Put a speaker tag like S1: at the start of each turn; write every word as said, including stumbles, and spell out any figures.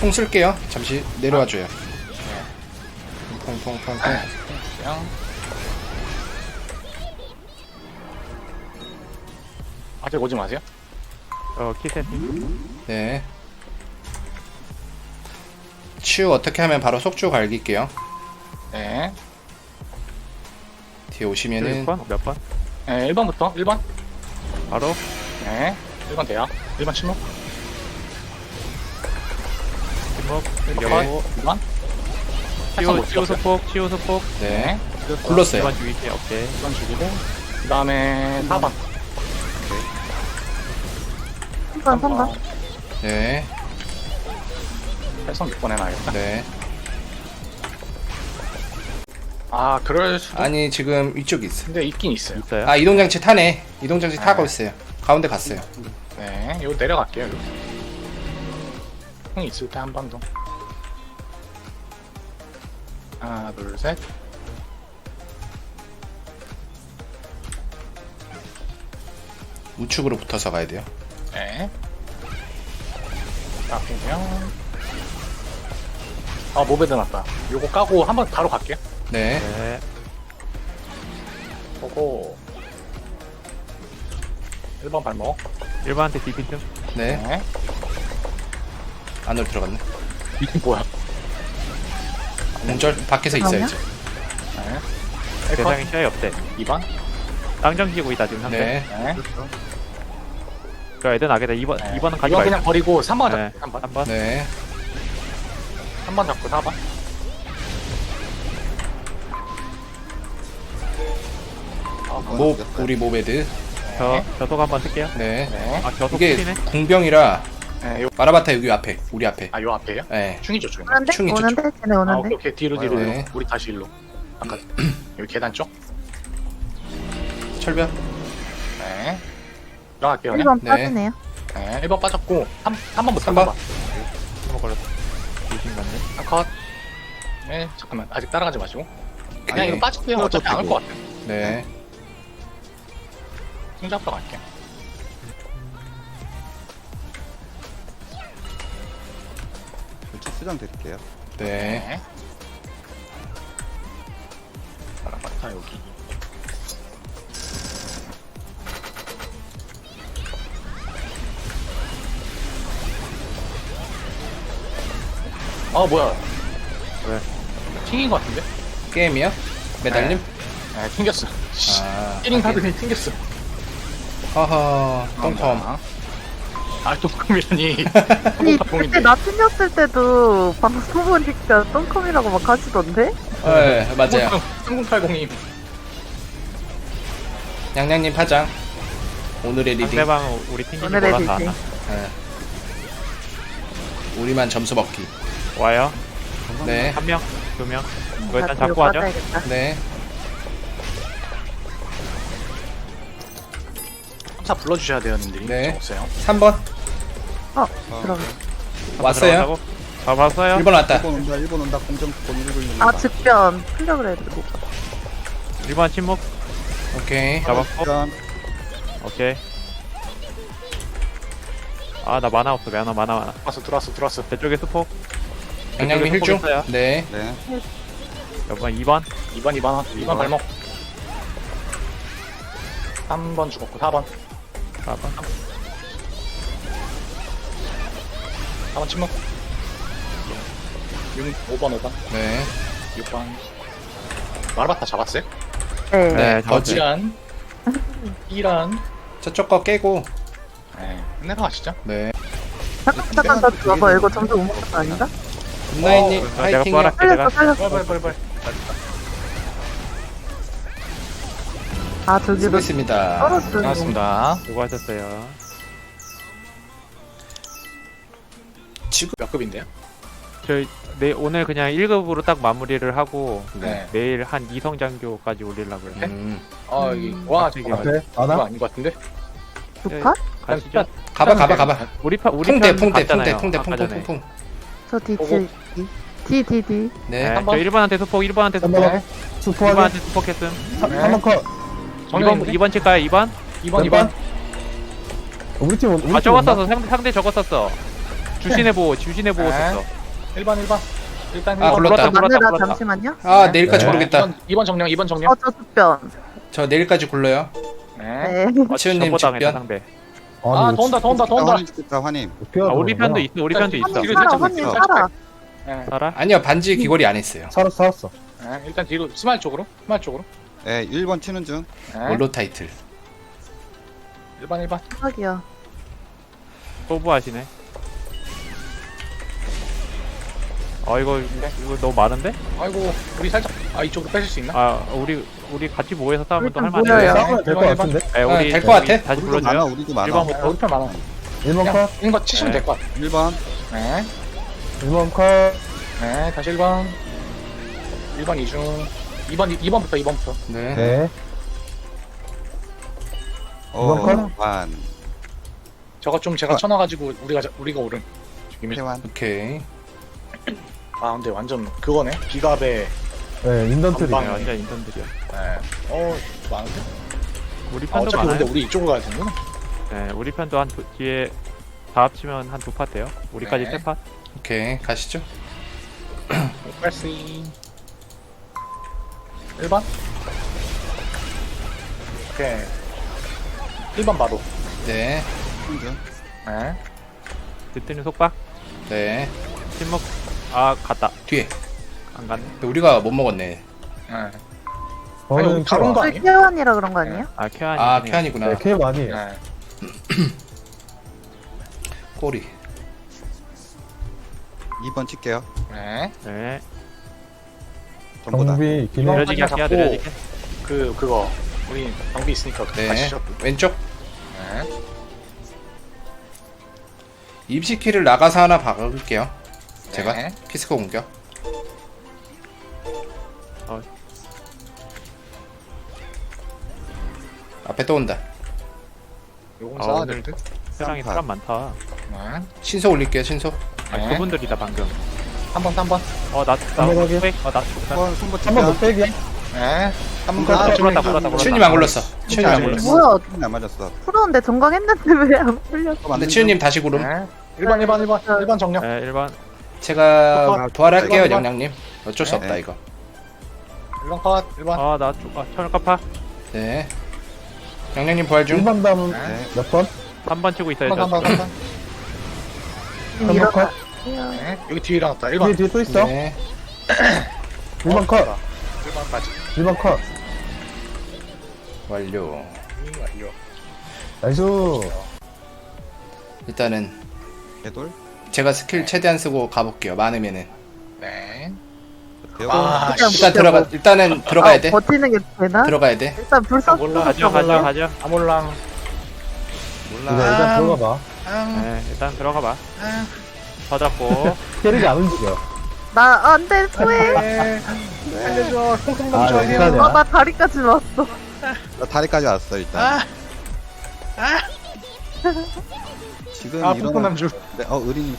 S1: 풍 쓸게요. 잠시 내려와줘요. 퐁퐁퐁퐁.
S2: 그냥 아직 오지 마세요.
S3: 어 키센팅.
S1: 네. 치유 어떻게 하면 바로 속주 갈길게요.
S2: 네.
S1: 뒤에 오시면은
S3: 일 번? 몇 번?
S2: 네, 일 번부터 일 번.
S3: 바로
S2: 네. 일 번 돼요. 일 번 침묵.
S3: 침묵.
S2: 일
S3: 여보.
S2: 번. 이 번.
S3: 치유 치유 소폭 치유 소폭.
S1: 네.
S2: 일
S1: 굴렀어요.
S3: 일 번 죽이지. 오케이.
S2: 번 죽이고 그 다음에 사 번.
S4: 삼 번, 삼 번.
S1: 네.
S2: 해성 육 번 해놔야겠다.
S1: 네.
S2: 아 그럴 수도.
S1: 아니 지금 위쪽에 있어.
S2: 근데 있긴 있어요.
S3: 있어요?
S1: 아 이동장치 타네. 이동장치
S2: 네.
S1: 타고 있어요. 가운데 갔어요.
S2: 네. 이거 내려갈게요. 이거. 형이 있을 때 한 번 더. 하나 둘 셋.
S1: 우측으로 붙어서 가야 돼요.
S2: 네. 앞이면 아 모베드 났다. 요거 까고 한번 바로 갈게요.
S1: 네.
S3: 네.
S2: 보고 일 번 발목.
S3: 일 번한테 디핀 좀.
S1: 네.
S2: 네.
S1: 안으로 들어갔네.
S2: 이게 뭐야?
S1: 공절 밖에서 있어요 이제.
S2: 네. 일 번.
S3: 대상이 시야에 없대.
S2: 이 번.
S3: 땅정 지고 있다 지금 상대.
S1: 네.
S2: 네.
S3: 그 애들 나겠다. 이 번
S2: 네.
S3: 이 번은 가지
S2: 이번
S3: 말자.
S2: 그냥 버리고 삼 번
S3: 네.
S2: 잡고 삼 번.
S3: 한 번.
S1: 네.
S2: 삼 번 잡고 사 번. 아,
S1: 모 우리 모베드.
S3: 저 저속 한번 쓸게요.
S1: 네.
S2: 네.
S3: 아 저속
S1: 이게
S3: 풀리네.
S1: 궁병이라
S2: 네. 요,
S1: 마라바타 여기 앞에 우리 앞에.
S2: 아, 요 앞에요?
S1: 네.
S2: 충이죠, 충.
S4: 오는데?
S1: 충이
S4: 오는데? 쟤네
S2: 아,
S4: 오는데?
S2: 오케이, 오케이. 뒤로, 뒤로,
S1: 네.
S2: 뒤로. 우리 다시 일로. 아까 여기 계단 쪽.
S1: 철벽.
S2: 네. 들어갈게요,
S4: 일
S2: 그냥.
S4: 번
S1: 네.
S4: 빠지네요.
S2: 네. 일 번 빠졌고, 삼, 삼 번부터
S1: 삼 번.
S2: 번.
S3: 한번 걸렸어. 조심 갔네.
S2: 한 컷. 네, 잠깐만. 아직 따라가지 마시고. 그냥
S1: 오케이.
S2: 이거 빠질게요. 어차피 안 올 것 같아요.
S1: 네.
S2: 승 잡으러 갈게요.
S5: 왼쪽 수정 드릴게요.
S1: 네.
S2: 네. 마라바타 여기. 아 뭐야?
S3: 왜?
S2: 튕긴 것 같은데?
S1: 게임이요? 매달림?
S2: 네, 튕겼어.
S1: 아.
S2: 띠링 하더니 튕겼어.
S1: 허허. 똥컴.
S2: 아, 똥컴이라니.
S4: 아니,
S2: 똥컴인데.
S4: 그때 나 틀렸을 때도 방송 보니까 똥컴이라고 막 하시던데?
S1: 네 맞아요.
S2: 삼공팔공이.
S1: 양양님 파장. 오늘의 리딩.
S3: 상대방 우리 팀이
S4: 오늘의
S3: 몰라서 안
S4: 리딩.
S3: 와.
S1: 네. 우리만 점수 먹기.
S3: 와요.
S1: 네.
S3: 한 명, 두 명. 이거
S4: 나
S3: 일단
S4: 뒤로
S3: 잡고 하죠.
S4: 빠져야겠다.
S1: 네.
S2: 함사 불러주셔야 돼요, 님들이.
S1: 네.
S2: 없어요.
S1: 삼 번.
S4: 어, 그럼.
S1: 왔어요.
S3: 아 봤어요?
S1: 일 번 왔다.
S5: 일 번 온다, 일 번 온다. 공정 본 일고 있는
S4: 아, 즉변. 풀려 그래야 되고.
S3: 일 번 침묵.
S1: 오케이.
S3: 잡았고.
S5: 일단
S3: 오케이. 아 나 만화 없어. 만화 만화 만화.
S2: 들어왔어, 들어왔어, 들어왔어.
S3: 저쪽에 스포.
S1: 양양님
S3: 저쪽에
S1: 힐중.
S3: 스포 있어요.
S1: 네.
S5: 네.
S3: 여번 이 번.
S2: 이 번, 이 번, 이 번 발목. 삼 번 죽었고, 사 번.
S3: 사 번.
S2: 사 번 침묵. 육, 오 번, 오 번.
S1: 네.
S2: 육 번. 마라바타 잡았어요?
S4: 네.
S1: 네.
S3: 네,
S1: 거지.
S2: 이란. 이란.
S1: 저쪽 거 깨고.
S2: 네. 내려가시죠.
S1: 네.
S4: 잠깐, 잠깐, 나 줘봐. 이거 점수 못 먹는 거 아닌가?
S1: 굿나잇님
S3: 어, 내가
S1: 화이팅이요.
S3: 부활할게
S4: 살렸어,
S3: 내가.
S4: 살렸어.
S2: 빨리, 빨리, 빨리.
S4: 아, 저기로
S1: 수고했습니다.
S4: 떨어뜨리고.
S2: 고맙습니다.
S3: 수고하셨어요.
S1: 지금
S2: 몇 급인데요?
S3: 저희 내 오늘 그냥 일 급으로 딱 마무리를 하고
S2: 네.
S3: 내일 한 이성 장교까지 올리려고요.
S1: 음.
S2: 아, 여기. 와,
S3: 갑자기
S2: 잠깐만.
S5: 앞에
S2: 이거
S5: 하나?
S2: 아닌 것 같은데?
S4: 두 판?
S3: 가시죠.
S1: 가봐 가봐 가봐.
S3: 우리 파 우리
S1: 풍대
S3: 편
S1: 풍대
S3: 갔잖아요,
S1: 풍대 풍대
S3: 아까
S1: 풍대
S3: 전에.
S1: 풍풍.
S4: 저 뒤,
S2: 보고.
S4: 뒤, 뒤, 뒤, 뒤.
S1: 네.
S3: 네,
S2: 한
S3: 저
S2: 번.
S3: 일 번한테 수폭, 일 번한테 수폭,
S5: 네.
S3: 일
S5: 수포하게
S3: 번한테 수폭했음.
S2: 네.
S5: 한번 컷.
S3: 이 번
S2: 정면인데?
S3: 이 번 칠까요? 이 번?
S2: 이 번, 이 번.
S5: 우리 팀 우리
S3: 아
S5: 팀
S3: 저거
S5: 온다.
S3: 썼어. 상대 상대 저거 썼어. 주신의 보호 주신의 보호
S2: 네.
S3: 썼어.
S2: 일 번 일 번 일단
S1: 아,
S2: 일 번
S1: 굴렀다.
S3: 굴렀다,
S4: 마늘아
S3: 굴렀다.
S4: 잠시만요.
S1: 아
S2: 네.
S1: 내일까지
S3: 네.
S1: 모르겠다.
S2: 이 번 정령 이 번 정령
S4: 어, 저 습변.
S1: 저 내일까지 굴러요.
S2: 네.
S4: 네.
S3: 어,
S1: 치우님
S3: 전보당했다
S1: 직변.
S3: 상대.
S2: 아 더 온다 더 온다 더 온다
S5: 환임 찍겠다, 환임.
S3: 아, 우리 편도 있어. 우리 편도 있어.
S4: 환님
S2: 뒤로
S4: 살아,
S2: 살짝
S4: 환님
S2: 뒤로
S4: 살아.
S2: 네.
S3: 살아?
S1: 아니요 반지 귀걸이 안 했어요.
S6: 살았어 살았어.
S2: 네. 일단 뒤로 스마일 쪽으로 스마일 쪽으로
S5: 네, 일 번 치는 중.
S2: 네.
S1: 원로 타이틀.
S2: 일 번 일 번
S4: 대박이야.
S3: 소부하시네. 어 이거 이거 너무 많은데?
S2: 아이고 우리 살짝 아 이쪽으로 빼실 수 있나?
S3: 아 우리 우리 같이 모여서 싸우면 또
S4: 일단
S3: 할만해.
S4: 모여요.
S6: 싸우면 될 것 같은데.
S3: 네,
S1: 아,
S3: 우리
S1: 될것 같아.
S3: 다시
S5: 우리도 많아,
S3: 불러줘요.
S5: 우리도 많아.
S3: 일번
S2: 네, 우리 편 많아
S6: 일 번
S2: 그냥
S6: 컷.
S2: 이거 치시면
S3: 네.
S2: 될 것 같아
S5: 일 번.
S2: 네.
S6: 일 번 컷.
S2: 네 다시 일 번 일 번 이중 이 번 이 번부터 이 번부터
S1: 네.
S6: 네.
S5: 어,
S6: 이번
S5: 반.
S2: 저거 좀 제가
S5: 아.
S2: 쳐놔가지고 우리가 자- 우리가 오른 지금
S5: 태환.
S1: 오케이.
S2: 아 근데 완전 그거네 기갑에
S6: 네 인던트리.
S2: 전방.
S3: 네, 완전 인턴들이야.
S2: 네. 어 많은데?
S3: 우리
S2: 아,
S3: 편도
S2: 어차피
S3: 많아요.
S2: 근데 우리 이쪽으로 가야 되는구나
S3: 네, 우리 편도 한 두, 뒤에 다 합치면 한 두 파 돼요. 우리까지
S2: 네.
S3: 세 파.
S1: 오케이 가시죠.
S2: 팔씨 일 번 오케이 일 번 바로
S1: 네.
S5: 치는 중.
S2: 네.
S3: 듣더니 속박.
S1: 네.
S3: 침묵. 아 갔다.
S1: 뒤에.
S3: 안 갔네.
S1: 근데 우리가 못 먹었네.
S2: 네. 아니
S6: 저는
S2: 우리 바로 온거
S4: 저
S2: 아니에요?
S4: 태환이라 그런 거 아니에요?
S3: 아 쾌한이.
S1: 아 쾌한이구나.
S6: 네, K 많이에요.
S2: 네.
S1: 꼬리.
S5: 이 번 칠게요.
S2: 네.
S3: 네.
S5: 전부 다.
S6: 정비 기능.
S2: 이번-
S3: 느려지게 할게요.
S2: 잡고.
S3: 느려지게.
S2: 그 그거 우리 경비 있으니까
S1: 네.
S2: 가시죠
S1: 왼쪽.
S2: 네.
S1: 입시키를 나가서 하나 박을게요. 제가
S2: 네.
S1: 피스코 공격.
S3: 어.
S1: 앞에 또 온다.
S2: 요건
S3: 아,
S2: 쌓아야
S3: 오늘
S2: 될 듯.
S3: 세상에
S5: 쌍파.
S3: 사람 많다.
S2: 네.
S1: 신속 올릴게요. 신속.
S3: 아,
S2: 네.
S3: 그분들이다 방금.
S2: 한 번, 한 번.
S3: 어나
S6: 한번
S3: 나.
S6: 하게.
S3: 어 나.
S5: 한 번, 손보
S6: 한 번
S5: 칠게요.
S6: 못 빼기야.
S2: 네.
S5: 한
S6: 아,
S5: 번.
S3: 불었다 불었다 불었다.
S1: 치우님 안 굴렀어. 치우님 안
S2: 네.
S1: 굴렀어.
S4: 뭐야?
S5: 안 맞았어.
S4: 풀었는데 정강했는데 왜 안 풀렸어?
S1: 근데 치우님 다시 구름.
S2: 네. 일 번, 일 번, 일 번. 일 번 정령.
S3: 네 일 번.
S1: 제가 부활할게요,
S2: 이번, 이번.
S1: 영양님. 어쩔 수
S5: 네.
S1: 없다 이거.
S2: 일 번 컷. 일 번.
S3: 아나 아, 천을 갚아.
S1: 네. 영양님 부활 중.
S6: 일 번 다음
S2: 네.
S6: 몇 번?
S3: 한 번 치고 있어요.
S2: 한 번, 한 번, 한 번.
S4: 지금
S6: 한 번 컷.
S4: 일어나.
S2: 네. 여기 뒤에 일어났다. 일
S6: 뒤에
S2: 번.
S6: 뒤에 또 있어.
S1: 네.
S6: 일 번 컷.
S2: 일 번까지.
S6: 일 번 컷.
S1: 완료.
S2: 음, 완료.
S6: 나이스.
S1: 일단은
S5: 개돌.
S1: 제가 스킬 최대한 쓰고 가볼게요. 많으면은.
S2: 네.
S5: 대고.
S2: 아,
S4: 일단
S2: 씨.
S1: 일단 들어가. 일단은 들어가야 돼.
S4: 아, 버티는 게 되나?
S1: 들어가야 돼.
S4: 일단 불사
S2: 몰라.
S3: 가죠 가죠 가죠.
S2: 아몰랑.
S6: 이제
S5: 몰라.
S6: 일단 들어가 봐.
S2: 아,
S3: 네 일단 들어가 봐.
S2: 아.
S3: 더 잡고.
S6: 캐릭이 안 움직여.
S4: 나 안돼 후회.
S2: 네. 살려줘. 통통
S6: 아,
S2: 넘쳐.
S6: 네, 괜찮아요.
S4: 아, 나 다리까지 왔어.
S5: 나 다리까지 왔어, 일단.
S2: 아,
S5: 지금
S2: 아, 통통
S5: 이런.
S2: 남주.
S5: 네, 어, 의리님